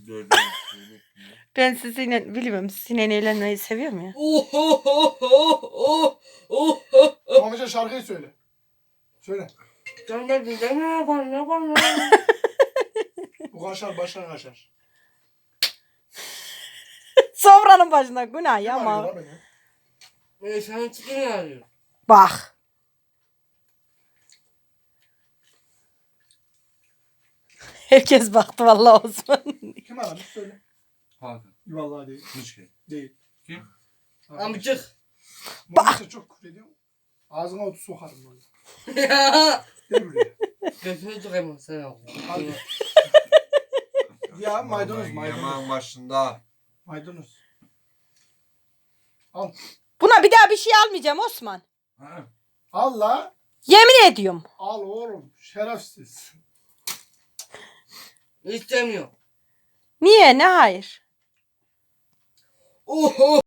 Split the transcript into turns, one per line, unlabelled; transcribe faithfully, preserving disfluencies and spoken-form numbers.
Dördüncü söyle.
Ben sizinle bilmiyorum. Sizinle eğlenmeyi seviyorum ya.
Oh oh oh oh oh oh oh oh.
Mamica şarkıyı söyle. Söyle.
Sen de bize ne yapar ne yapar ne yapar?
Bu kaşar başına kaşar.
Sofranın başında günah
Kim
ya
arıyor
ama.
lan beni?
Ben sana çıkın arıyorum.
Bak. Herkes baktı vallahi Osman.
Kim aramış söyle.
Hakan.
Vallahi değil.
Hiç şey.
Değil.
Kim?
Amcık.
Mamica çok küfür ediyor. Ağzına otu sokarım böyle.
Ya.
Gel buraya.
Götünü tıkayım sen al.
Hadi. Ya maydanoz maydanoz.
Yaman başında.
Maydanoz. Al.
Buna bir daha bir şey almayacağım Osman.
Ha?
Al la.
Yemin ediyorum.
Al oğlum. Şerefsiz.
İstemiyor.
Niye? Ne hayır?
Oh oh.